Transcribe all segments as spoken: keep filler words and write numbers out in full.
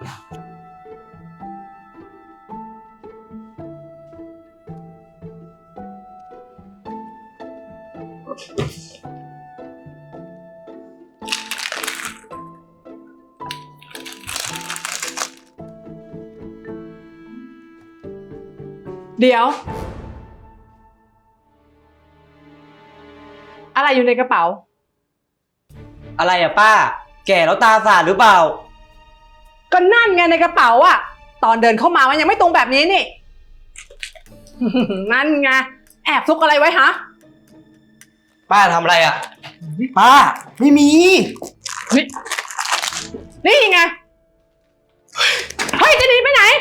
เดี๋ยวอะไรอยู่ในกระเป๋าอะไรอะป้าแก่แล้วตาฝาดหรือเปล่าก็นั่นไงในกระเป๋าอะตอนเดินเข้ามามันยังไม่ตรงแบบนี้นี่ นั่นไงแอบซุกอะไรไว้ฮะป้าทำอะไรอะป้าไม่มีนี่นี่ไงเฮ้ยจะหนีไปไหน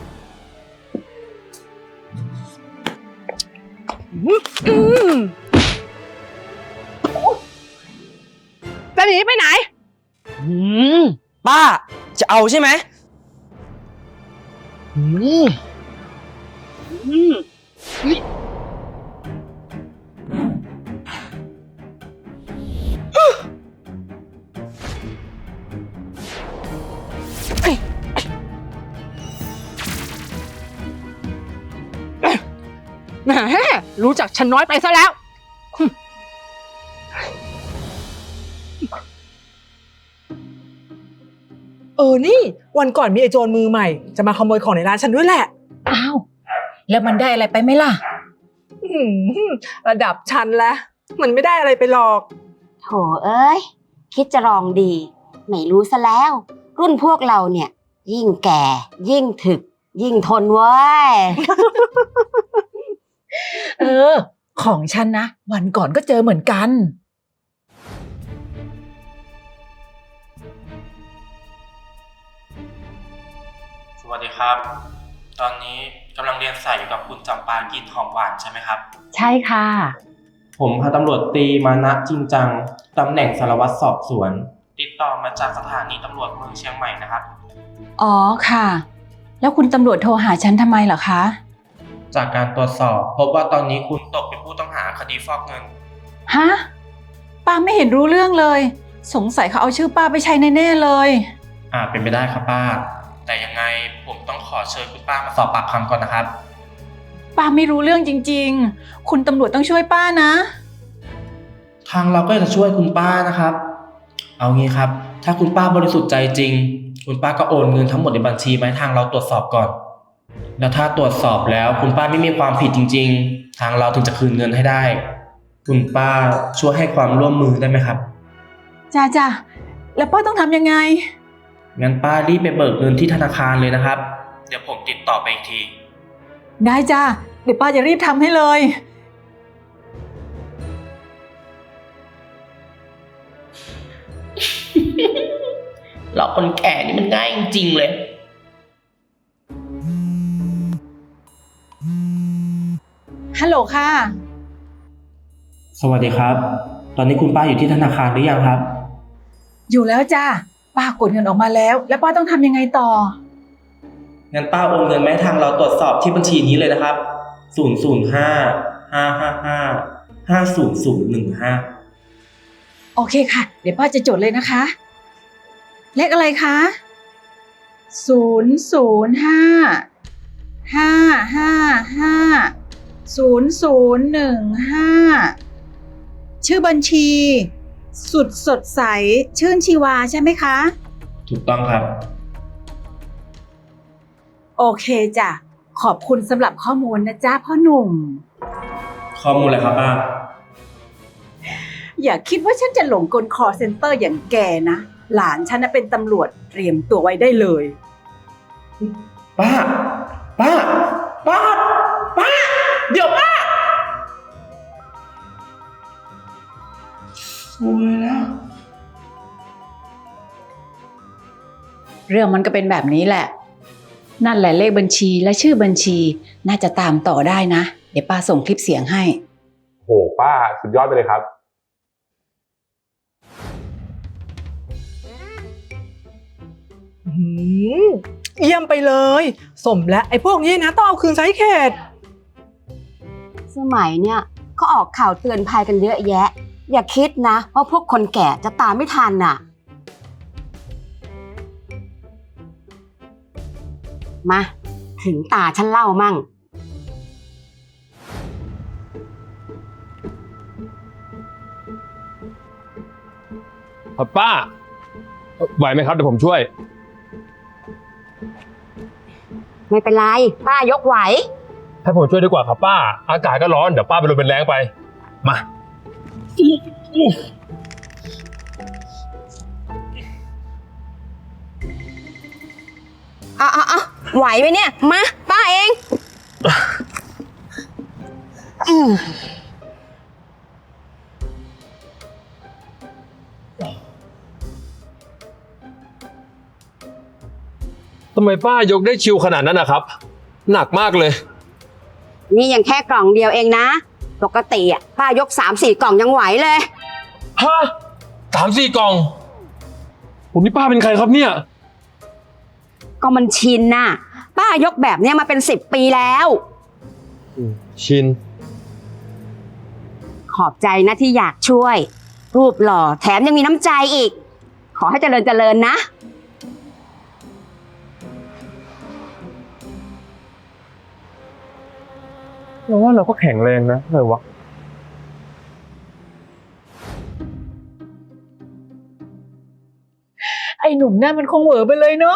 อืมจะหนีไปไหนอืมป้าจะเอาใช่ไหมอืมอืมแหมรู้จักฉันน้อยไปซะแล้วเออนี่วันก่อนมีไอโจรมือใหม่จะมาขโมยของในร้านฉันด้วยแหละอ้าวแล้วมันได้อะไรไปไหมล่ะระดับฉันแล้วมันไม่ได้อะไรไปหรอกโถเอ้ยคิดจะลองดีไม่รู้ซะแล้วรุ่นพวกเราเนี่ยยิ่งแก่ยิ่งถึกยิ่งทนเว้ยเออของฉันนะวันก่อนก็เจอเหมือนกันสวัสดีครับตอนนี้กำลังเรียนสายอยู่กับคุณจำปากินหอมหวานใช่ไหมครับใช่ค่ะผมพันตำรวจตรีมานะจริงจังตำแหน่งสารวัตรสอบสวนติดต่อมาจากสถานีตำรวจเมืองเชียงใหม่นะครับอ๋อค่ะแล้วคุณตำรวจโทรหาฉันทำไมเหรอคะจากการตรวจสอบพบว่าตอนนี้คุณตกเป็นผู้ต้องหาคดีฟอกเงินฮะป้าไม่เห็นรู้เรื่องเลยสงสัยเขาเอาชื่อป้าไปใช้แน่ๆเลยอ่าเป็นไปได้ครับป้าแต่ยังไงผมต้องขอเชิญคุณป้ามาสอบปากคำก่อนนะครับป้าไม่รู้เรื่องจริงๆคุณตำรวจต้องช่วยป้านะทางเราก็จะช่วยคุณป้านะครับเอางี้ครับถ้าคุณป้าบริสุทธิ์ใจจริงคุณป้าก็โอนเงินทั้งหมดในบัญชีมาให้ทางเราตรวจสอบก่อนแล้วถ้าตรวจสอบแล้วคุณป้าไม่มีความผิดจริงๆทางเราถึงจะคืนเงินให้ได้คุณป้าช่วยให้ความร่วมมือได้ไหมครับจ้าจ้าแล้วป้าต้องทำยังไงงั้นป้ารีบไปเบิกเงินที่ธนาคารเลยนะครับเดี๋ยวผมติดต่อไปอีกทีได้จ้าเดี๋ยวป้าจะรีบทำให้เลยหลอกคนแก่นี่มันง่ายจริงๆเลยฮัลโหลค่ะสวัสดีครับตอนนี้คุณป้าอยู่ที่ธนาคารหรือยังครับอยู่แล้วจ้าป้ากดเงินออกมาแล้วแล้วป้าต้องทำยังไงต่องั้นป้าโอนเงินแม้ทางเราตรวจสอบที่บัญชีนี้เลยนะครับศูนย์ ศูนย์ ห้า ห้า ห้า ห้า ห้า ศูนย์ ศูนย์ หนึ่ง ห้าโอเคค่ะเดี๋ยวป้าจะจดเลยนะคะเลขอะไรคะศูนย์ ศูนย์ ห้า ห้า ห้า ห้า ศูนย์ ศูนย์ หนึ่ง ห้าชื่อบัญชีสุดสดใสชื่นชีวาใช่ไหมคะถูกต้องครับโอเคจ้ะขอบคุณสำหรับข้อมูลนะจ๊ะพ่อหนุ่มข้อมูลอะไรครับป้าอย่าคิดว่าฉันจะหลงกลคอเซ็นเตอร์อย่างแกนะหลานฉันน่ะเป็นตำรวจเตรียมตัวไว้ได้เลยป้าป้าป้าป้าเดี๋ยวป้าสวยแล้วเรื่องมันก็เป็นแบบนี้แหละนั่นแหละเลขบัญชีและชื่อบัญชีน่าจะตามต่อได้นะเดี๋ยวป้าส่งคลิปเสียงให้โหป้าสุดยอดไปเลยครับเยี่ยมไปเลยสมและไอ้พวกนี้นะต้องเอาคืนไซส์เขตสมัยเนี่ยก็ออกข่าวเตือนภัยกันเยอะแยะอย่าคิดนะว่าพวกคนแก่จะตามไม่ทันน่ะมาถึงตาฉันเล่ามั่งครับป้า ไหวไหมครับเดี๋ยวผมช่วยไม่เป็นไรป้ายกไหวให้ผมช่วยดีกว่าครับป้า อากาศก็ร้อนเดี๋ยวป้าไปลมเป็นแรงไป มาอ่ะอ่ะอ่ะไหวไหมเนี่ย มาป้าเองอืมทำไมป้ายกได้ชิวขนาดนั้นนะครับ หนักมากเลยนี่ยังแค่กล่องเดียวเองนะ ปกติอ่ะป้ายกสามสี่กล่องยังไหวเลยฮะสามสี่กล่อง ผมนี่ป้าเป็นใครครับเนี่ยก็มันชินน่ะ ป้ายกแบบเนี้ยมาเป็นสิบปีแล้วชินขอบใจนะที่อยากช่วย รูปหล่อแถมยังมีน้ำใจอีก ขอให้เจริญเจริญนะเราว่าเราก็แข็งแรงนะเลยวะไอ้หนุ่มนั่นมันคงเหวอไปเลยเนาะ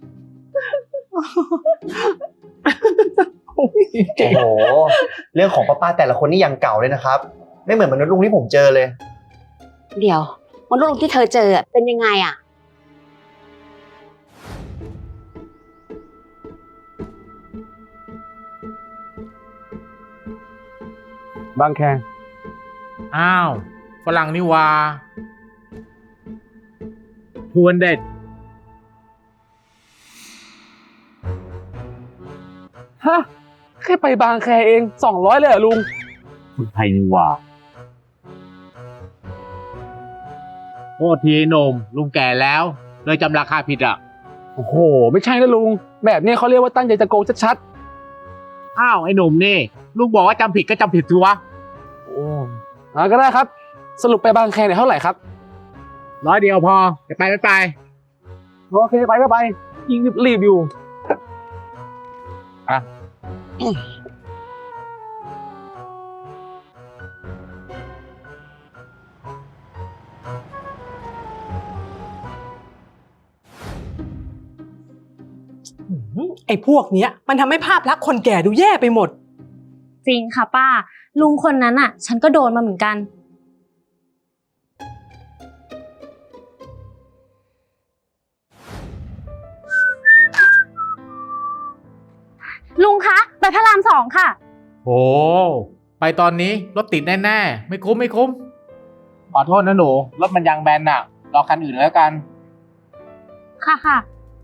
โอ้โห เรื่องของป้าป้าแต่ละคนนี่ยังเก่าเลยนะครับ ไม่เหมือนมนุษย์ลุงที่ผมเจอเลยเดี๋ยวมนุษย์ลุงที่เธอเจอเป็นยังไงอ่ะบางแคอ้าวฝรั่งนี่ว่าทวนเด็ดฮะ แค่ไปบางแคเองสองร้อยเลยเหรอลุงคนไทยนี่ว่าโทษทีหนุ่มลุงแก่แล้ว เลยจำราคาผิดอ่ะโอ้โห ไม่ใช่นะลุง แบบนี้เขาเรียกว่าตั้งใจจะโกงชัดอ้าวไอ้หนุ่มนี่ลุงบอกว่าจำผิดก็จำผิดสิวะๆโอ้อ่าก็ได้ครับ สรุปไปบางแคเนี่ยเท่าไหร่ครับร้อยเดียวพอจะไปไม่ไปโอเคไปก็ไป ยิงรีบๆอยู่อ่ะไอ้พวกเนี้ยมันทำให้ภาพลักษณ์คนแก่ดูแย่ไปหมดจริงค่ะป้า ลุงคนนั้นอ่ะ ฉันก็โดนมาเหมือนกัน ลุงคะไปพระรามสองค่ะโอ้ไปตอนนี้รถติดแน่ๆไม่คุ้มไม่คุ้ม ขอโทษนะหนูรถมันยางแบนน่ะรอคันอื่นแล้วกันค่ะค่ะ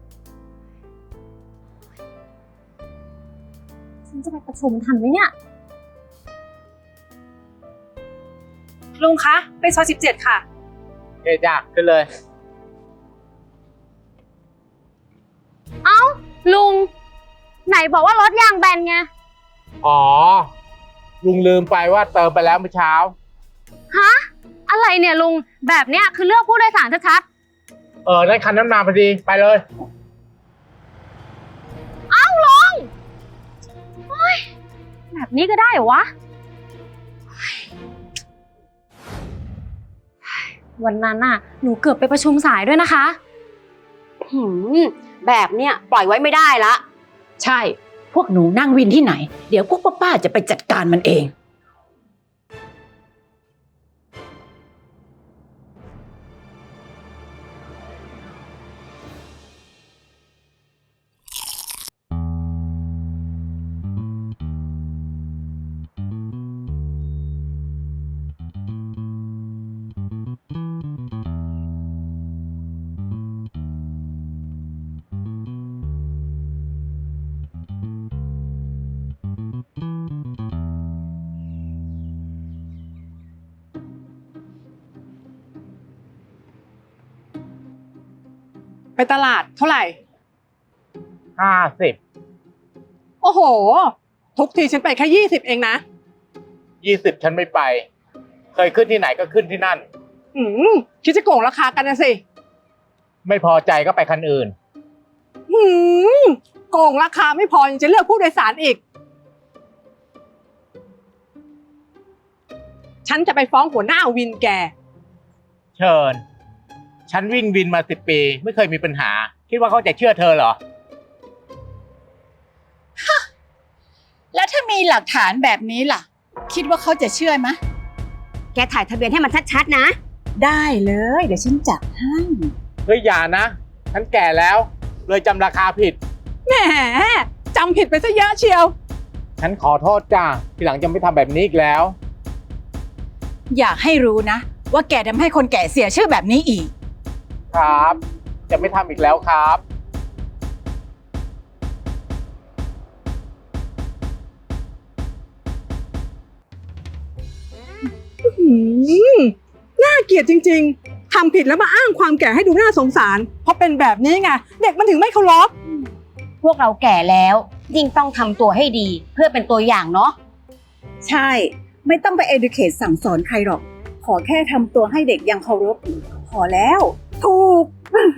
ฉันจะไปประชุมทันไหมเนี่ยลุงคะไปซอยสิบเจ็ดค่ะเฮ้ยจ้าขึ้นเลยเอ้า ลุง ไหนบอกว่ารถยางแบนไงอ๋อ ลุงลืมไปว่าเติมไปแล้วเมื่อเช้าฮะ อะไรเนี่ยลุง แบบเนี้ยคือเลือกผู้โดยสารชัดเออได้คันนั้นมาพอดีไปเลยๆ เอ้าลุงโอ๊ยแบบนี้ก็ได้เหรอวะ วันนั้นน่ะ หนูเกือบไปประชุมสายด้วยนะคะหืมแบบเนี้ยปล่อยไว้ไม่ได้ละใช่ พวกหนูนั่งวินที่ไหน เดี๋ยวพวกป้าๆจะไปจัดการมันเองไปตลาดเท่าไหร่ห้าสิบโอ้โห ทุกทีฉันไปแค่ยี่สิบเองนะยี่สิบฉันไม่ไป เคยขึ้นที่ไหนก็ขึ้นที่นั่นอืมคิดจะโกงราคากันนะสิไม่พอใจก็ไปคันอื่นหืมโกงราคาไม่พอยังจะเลือกผู้โดยสารอีก ฉันจะไปฟ้องหัวหน้าวินแกเชิญ ฉันวิ่งวินมาสิบปี ไม่เคยมีปัญหา คิดว่าเขาจะเชื่อเธอเหรอแล้วถ้ามีหลักฐานแบบนี้ล่ะ คิดว่าเขาจะเชื่อไหมะแกถ่ายทะเบียนให้มันชัดๆนะได้เลย เดี๋ยวฉันจัดให้เฮ้ยอย่านะ ฉันแก่แล้ว เลยจำราคาผิดแหมจำผิดไปซะเยอะเชียวฉันขอโทษจ้าทีหลังจะไม่ทำแบบนี้อีกแล้วอยากให้รู้นะ ว่าแกทำให้คนแก่เสียชื่อแบบนี้อีกครับ จะไม่ทำอีกแล้วครับหืมน่าเกลียดจริงๆ ทำผิดแล้วมาอ้างความแก่ให้ดูน่าสงสาร เพราะเป็นแบบนี้ไง เด็กมันถึงไม่เคารพพวกเราแก่แล้ว ยิ่งต้องทำตัวให้ดี เพื่อเป็นตัวอย่างเนาะใช่ ไม่ต้องไป educate สั่งสอนใครหรอก ขอแค่ทำตัวให้เด็กยังเคารพ พอแล้วถูก